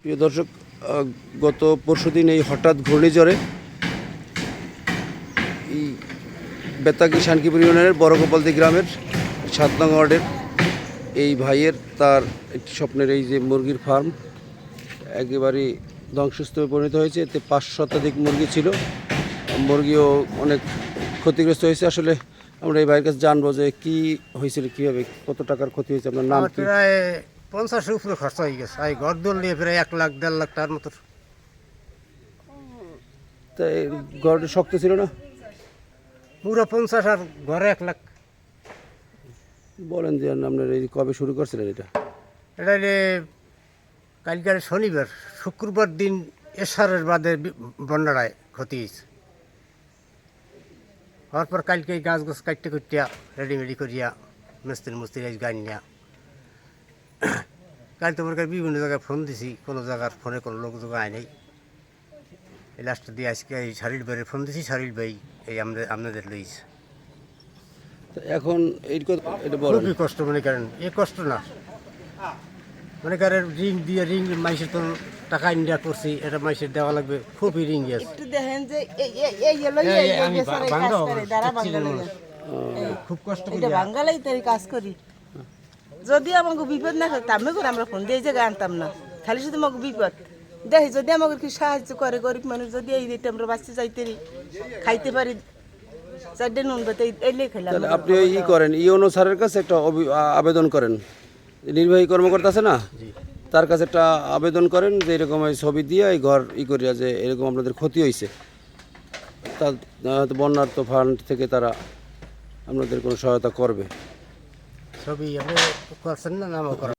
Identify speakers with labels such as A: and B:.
A: প্রিয় দর্শক, গত পরশুদিন এই হঠাৎ ঘূর্ণিঝড়ে এই বেতাগী শানকিপুর ইউনিয়নের বড়গোপালদি গ্রামের ৭ নং ওয়ার্ডের এই ভাইয়ের তার একটি স্বপ্নের এই যে মুরগির ফার্ম একেবারেই ধ্বংসস্তূপে পরিণত হয়েছে। এতে ৫ শতাধিক মুরগি ছিল, মুরগিও অনেক ক্ষতিগ্রস্ত হয়েছে। আসলে আমরা এই ভাইয়ের কাছে জানবো যে কী হয়েছিল, কীভাবে, কত টাকার ক্ষতি হয়েছে। আপনার নাম কি?
B: প্রায় 50-এর উপরে খরচ হয়ে গেছে। এই ঘর দোল নিয়ে প্রায় 1 লাখ 1.5 লাখ টাকার মতো।
A: তাই ঘরটা শক্ত ছিল না?
B: পুরো 50 আর ঘরে 1 লাখ।
A: বলেন যে আপনার এই কবে শুরু করছিলেন এটা?
B: এটা হলে কালকের শনিবার, শুক্রবার দিন এশারের বাদে বন্যাটায় ক্ষতি হয়েছে। হওয়ার পর কালকে এই গাছ কাটতে কুটিয়া রেডিমেডি করিয়া মিস্ত্রি গান নিয়া কাল তোমার বিভিন্ন জায়গায় ফোন দিছি, কোনো জায়গার ফোনে কোনো লোক যোগ আয় নাই। এই লাস্টে দিয়ে আজকে এই শারিল ভাইয়ের ফোন দিছি, শারিল ভাই এই আপনাদের লইছে।
A: তো এখন এই কথা এটা বলেন।
B: খুবই কষ্ট মনে করেন, এ কষ্ট না মনে করেন রিং দিয়ে মাইসের তো টাকা ইন্ডিয়া করছি, এটা মাইসের দেওয়া লাগবে, খুবই রিং আছে।
C: একটু দেখেন যে
B: খুব কষ্ট
C: এটা বাঙ্গালাই তাই কাজ করি। যদি আমাকে বিপদ না থাকে আমি করে আমরা ফোন দিয়ে এই জায়গায় আনতাম না, খালি শুধু আমাকে বিপদ দেখি। যদি আমাকে কি সাহায্য করে গরিব মানুষ, যদি এই দিতে আমরা বাঁচতে যাইতে খাইতে পারি, 4 নুন বাতে এলে খেলাম।
A: তাহলে আপনি ই করেন, ইউনো স্যারের কাছে একটা আবেদন করেন, নির্বাহী কর্মকর্তা আছে না, তার কাছে একটা আবেদন করেন যে এরকম এই ছবি দিয়ে এই ঘর করিয়া যে এরকম আপনাদের ক্ষতি হয়েছে। তা বন্যার তো ফান্ড থেকে তারা আপনাদের কোনো সহায়তা করবে।
B: ছবি আপনি করছেন না, নামও করেন।